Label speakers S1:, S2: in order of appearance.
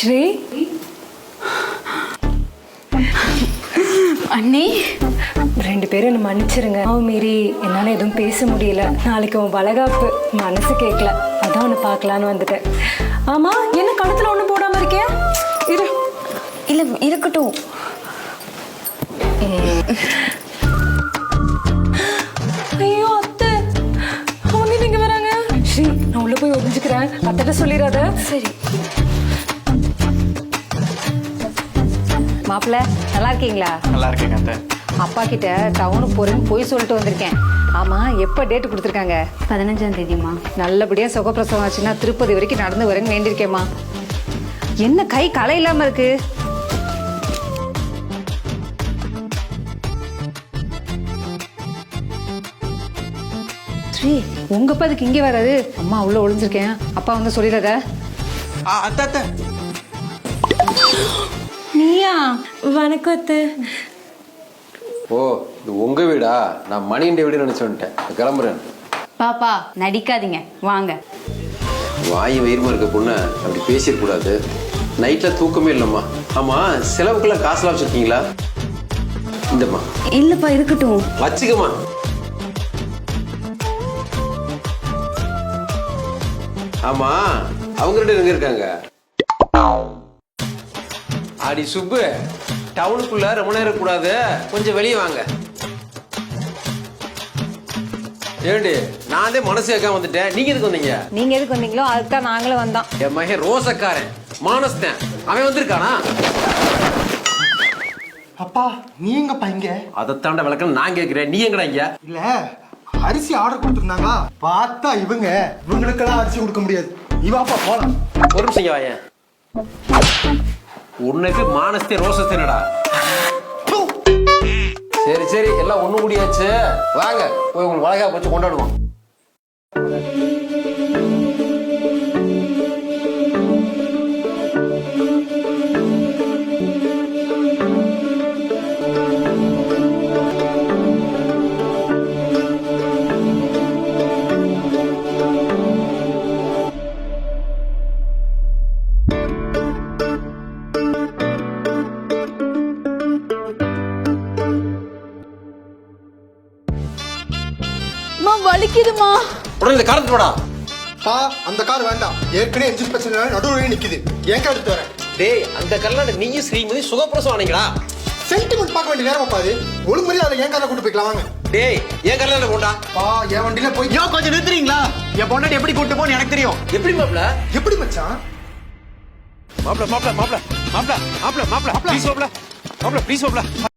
S1: ஸ்ரீ அண்ணி, 2 பேரும் என்ன மன்னிச்சிருங்க. அவன் மீறி என்னால் எதுவும் பேச முடியல. நாளைக்கு உன் வளகாப்பு, மனசு கேட்கல, அதான் உன்னை பார்க்கலான்னு வந்துட்டேன். ஆமாம், என்ன கழுத்தில் ஒன்றும் போடாமல் இருக்கியா? இரு.
S2: இல்லை இருக்கட்டும்.
S1: ஐயோ அத்தை, அவங்க நீங்க வராங்க. ஸ்ரீ, நான் உள்ள போய் ஒழிஞ்சுக்கிறேன், அத்தைட்ட சொல்லிடாத.
S2: சரி.
S3: மாப்பிள்ள நல்லா இருக்கீங்களா?
S4: நல்லா இருக்கேங்க அத்தை.
S3: அப்பா கிட்ட டவுனுக்கு போறேன்னு போய் சொல்லிட்டு வந்திருக்கேன். ஆமா, எப்ப டேட் கொடுத்துருக்காங்க?
S2: 15ஆம் தேதிமா.
S3: நல்லபடியா சுகப்பிரசவம் ஆச்சுன்னா திருப்பதி வரைக்கும் நடந்து வரேன்னு வேண்டியிருக்கேம்மா. என்ன கை களை இல்லாம இருக்கு? ஸ்ரீ, உங்க அப்பா அதுக்கு இங்கே வராது. அம்மா உள்ள ஒளிஞ்சிருக்கேன், அப்பா வந்து சொல்லிடாத.
S4: அத்தை அத்தை.
S3: நீயா?
S1: வணக்கம் அத்தை.
S5: ஓ, இது உங்க வீடா? நான் மணியின் வீடு நினைச்சு வந்துட்டேன். கிளம்புறேன்.
S2: பாப்பா நடிக்காதீங்க, வாங்க.
S5: வாய் வயிறுமா இருக்க பொண்ணு அப்படி பேசிடக்கூடாது. நைட்ல தூக்கமே இல்லைம்மா. ஆமா, செலவுக்குள்ள காசுலாம் வச்சிருக்கீங்களா? இந்தம்மா.
S2: இல்லப்பா இருக்கட்டும்.
S5: வச்சுக்கம்மா. ஆமா, அவங்க 2 எங்க இருக்காங்க? அடி சுப்பு, டவுனுக்குள்ள ரொம்ப நேரம் கூடாது, கொஞ்சம் வெளியே வாங்க. ஏண்டி, நான் தான் மனசு கேட்காம வந்துட்டேன், நீங்க எதுக்கு வந்தீங்க?
S3: நீங்க எதுக்கு வந்தீங்களோ அதுக்கு தான் நாங்களும் வந்தோம்.
S5: என் மகன் ரோசக்காரன் மானஸ்தன், அவன் வந்திருக்கானா?
S6: அப்பா நீங்கப்பா இங்க?
S5: அதைத்தாண்ட விளக்கம் நான் கேட்கிறேன், நீ எங்கடா இங்க?
S6: இல்ல, அரிசி ஆர்டர் கொடுத்துருந்தாங்க, பார்த்தா இவங்களுக்கெல்லாம் அரிசி கொடுக்க முடியாது. இவாப்பா போலாம்.
S5: ஒரு நிமிஷம் இங்க வாயேன். உனக்கு மானஸ்தே ரோசஸ்தேனடா. சரி சரி, எல்லாம் ஒண்ணு முடியாச்சு. வாங்க போய் உங்களுக்கு வளகா வச்சு கொண்டாடுவோம்.
S2: வலிக்குதுமா.
S5: உடனே இந்த காரத்து போடா.
S6: பா, அந்த கார் வேண்டாம். ஏற்கனவே என்ஜின் பிரச்சனை நடுவுல நிக்குது. ஏன் கார் எடுத்து வரேன்?
S5: டேய், அந்த கல்யாணம் நீயும் ஸ்ரீமதி சுகப்பிரசவம் ஆனீங்களா?
S6: சென்டிமெண்ட் பார்க்க வேண்டிய நேரம் பாது. ஒழுங்கு மாதிரி அதை ஏன் கார்ல கூட்டு போய்க்கலாம் வாங்க.
S5: டேய், ஏன் கல்யாணம் போண்டா?
S6: பா, என் வண்டியில போய்
S4: கொஞ்சம் நிறுத்துறீங்களா? என் பொண்டாட்டி எப்படி கூட்டு போன்னு எனக்கு தெரியும்.
S5: எப்படி மாப்ள?
S6: எப்படி மச்சான்?
S4: மாப்ள மாப்ள மாப்ள மாப்ள மாப்ள மாப்ள ப்ளீஸ் மாப்ள மாப்ள ப்ளீஸ் மாப்ள